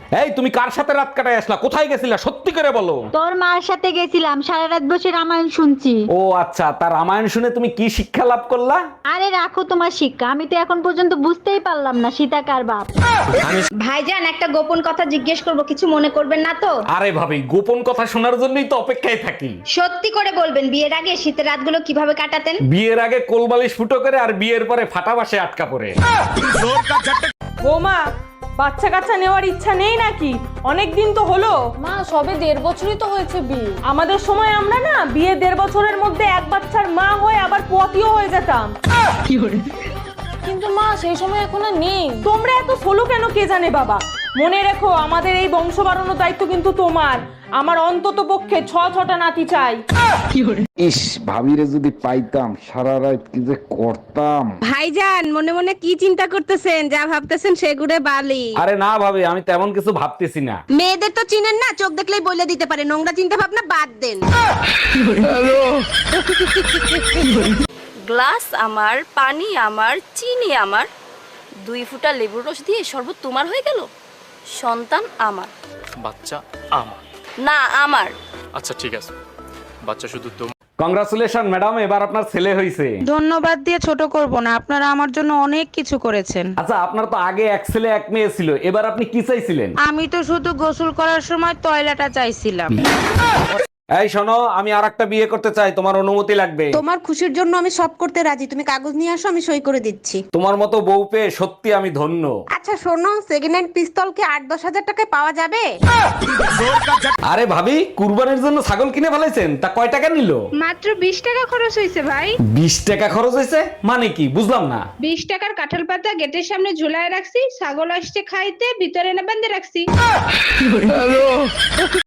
এই তুমি কার সাথে রাত কাটায় আসলা, কোথায় গেছিলা, সত্যি করে বলো। তোর মার সাথে গেছিলাম, সারা রাত বসে রামায়ণ শুনছি। ও আচ্ছা, তার রামায়ণ শুনে তুমি কি শিক্ষা লাভ করলা? আরে রাখো তোমার শিক্ষা, আমি তো এখন পর্যন্ত বুঝতেই পারলাম না সীতা কার বাপ। ভাইজান, একটা গোপন কথা জিজ্ঞেস করব, কিছু মনে করবেন না তো? আরে ভাবি, গোপন কথা শোনার জন্যই তো অপেক্ষায় থাকি। সত্যি করে বলবেন, বিয়ের আগে শীতের রাতগুলো কিভাবে কাটাতেন? বিয়ের আগে কোলবালিশ ফুটো করে আর বিয়ের পরে ফাটা বাসে আটকা পড়ে। বৌমা, বাচ্চা কাচ্চা নেওয়ার ইচ্ছা নেই নাকি? অনেক দিন তো হলো। মা সবে 1.5 বছরই তো হয়েছে বিয়ে। আমাদের সময় আমরা না বিয়ে 1.5 বছরের মধ্যে এক বাচ্চার মা হয়ে আবার পতিও হয়ে যেতাম। কিন্তু মা সেই সময় এখন আর নেই। তোমরা এত সোলো কেন কে জানে বাবা। মনে রেখো, আমাদের এই বংশ বাড়ানোর দায়িত্ব কিন্তু তোমার। আমার অন্তত পক্ষে 6টা নাতি চাই। ইস, ভাবিরে যদি পাইতাম, সারা রাত কি যে করতাম। ভাইজান, মনে মনে কি চিন্তা করতেছেন? যা ভাবতেছেন সেগুড়ে বালি। আরে না ভাবি, আমি তেমন কিছু ভাবতেছি না। মেয়েদের তো চিনেন না, চোখ দেখলেই বলে দিতে পারে। নোংরা চিন্তা ভাবনা বাদ দেন। গ্লাস আমার, পানি আমার, চিনি আমার, 2 ফুটা লেবুর রস দিয়ে শরবত তোমার হয়ে গেল। সন্তান আমার, বাচ্চা আমার। না আমার। আচ্ছা ঠিক আছে, বাচ্চা শুধু তোমার। কংগ্রাচুলেশন ম্যাডাম, এবার আপনার ছেলে হয়েছে। ধন্যবাদ দিয়ে ছোট করব না, আপনারা আমার জন্য অনেক কিছু করেছেন। আচ্ছা, আপনার তো আগে এক ছেলে এক মেয়ে ছিল, এবার আপনি কি চাইছিলেন? আমি তো শুধু গোসল করার সময় টয়লেটটা চাইছিলাম। এই শোনো, আমি আরেকটা বিয়ে করতে চাই, তোমার অনুমতি লাগবে। তোমার খুশির জন্য আমি সব করতে রাজি। তুমি কাগজ নিয়ে আসো, আমি সই করে দিচ্ছি। তোমার মতো বউ পেয়ে সত্যি আমি ধন্য। আচ্ছা শোনো, সেকেন্ড হ্যান্ড পিস্তল কি 8-10 হাজার টাকায় পাওয়া যাবে? আরে ভাবি, কুরবানির জন্য ছাগল কিনে ফেলাইছেন, তা কয় টাকা নিল? মাত্র 20 টাকা খরচ হয়েছে ভাই। 20 টাকা খরচ হয়েছে মানে কি, বুঝলাম না। 20 টাকার কাঁঠাল পাতা গেটের সামনে ঝুলায় রাখছি, ছাগল আসছে খাইতে, ভিতরে না বেঁধে রাখছি।